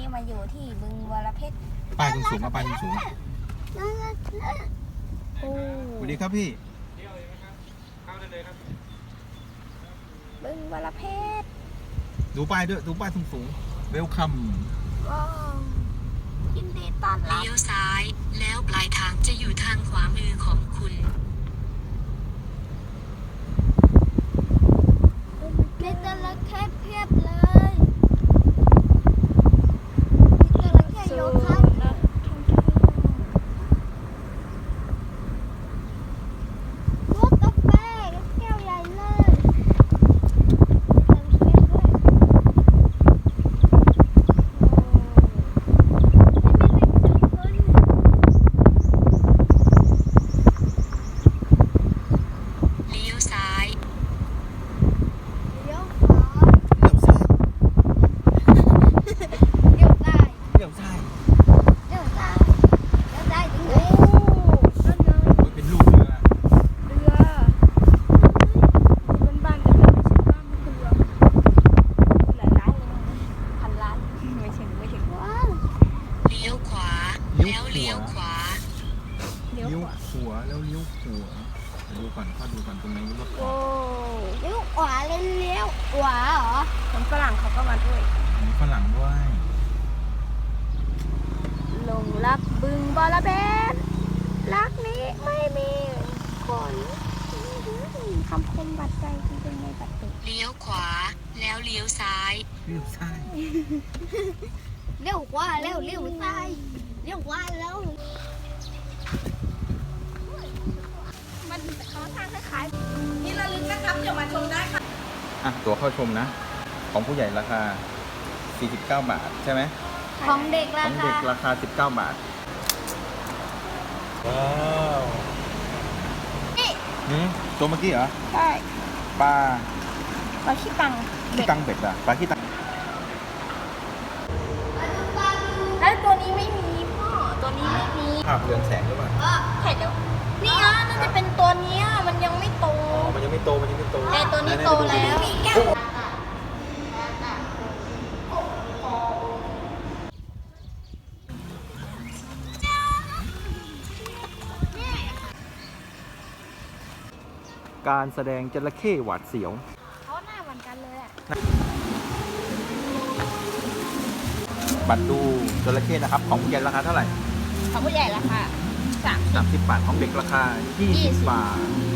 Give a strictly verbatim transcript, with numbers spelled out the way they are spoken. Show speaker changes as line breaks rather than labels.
มาอยู่ที่บึงวรเพชร
ป้ายสูงๆมาป้ายสูงๆ
โอ้
สวัสดีครับพี่
บึงวรเพชร
ดูป้ายด้วยดูป้ายสูงๆเวลคัม
ว้าวยินดีต้อนรับ
เลี้ยวซ้ายแล้วปลายทางจะอยู่ทางขวามือของคุณ
มีจระเข้เพียบเลยมีจระเข้โยคะรถกาแฟแก้วใหญ่เลย
เลี้ยวซ้าย
เลี้ยวขวาเลี้ยวซ้าย
เลี้ยวซ้าย
เลี้ยวซ้ายเลี้ยวซ้ายถึงไหนนั่นไง
โอ้ยเป็นลูกเรือ
เรือเป็นบ้านแต่มันไม่ใช่บ้านมันคือเรือหลายล้านเลยพันล้านไม่ถึงไม่ถึงว้าว
เลี้ยวขวาแล้วเลี้ยวขวา
เลี้ยว
เลี้ยว
ขวา
ขวาแล้วเลี้ยวขวาดูก่อนข้อดูก่อนตรงไหนรถ
โอ้เลี้ยวขวาเลยเลี้ยวขวาเหรอคนฝรั่งเขาก็มาด้วย
มีฝรั่งด้วย
ลงรักบึงบอระเบนรักนี้ไม่มีคนคำคมบัดใจจริงๆในบัดตึก
เลี้ยวขวาแล้วเลี้ยวซ้าย
เลี้ยวซ้าย
เลี้ยวขวาแล้วเลี้ยวซ้ายเลี้ยวขวาแล้วมันเขาทางคล้ายๆนี่ระลึกนะครับเดี๋ยวมาชมได้ค่ะ
อ่ะตั๋วเข้าชมนะ ของผู้ใหญ่ราคาสี่สิบเก้าบาทใช่ไหม
ของเด็ก
ข
รา
อง
คา
เด็กราคาสิบเก้าบาทว้าว
นี่
หืมตัวเมื่อกี้เหรอ
ใช่
ปลา
ปลาขี้ตัง
ขี้ตังเบ็ดอะปลาขี้ตัง
แล้วตัวนี้ไม่มีพ่อตัวนี้ไม่มี
ภาพเรืองแสงหรือเปล่า
ใช่เดี๋ยวนี่อ่ะน่าจะเป็นตัวเนี้ยมันยังไม่โต
อ๋อมันยังไม่โตมันยังไม่โต
แต่ตัวนี้โตแล้ว
การแสดงจระเข้หวาดเสียว
เขาหน้าเหมือนกันเลยอ่ะ
บัตรดูจระเข้นะครับ ของผู้ใหญ่ราคาเท่าไหร่
ของผู้ใหญ่ราคาสาม
สามสิบบาทของเด็กราคายี่สิบบาท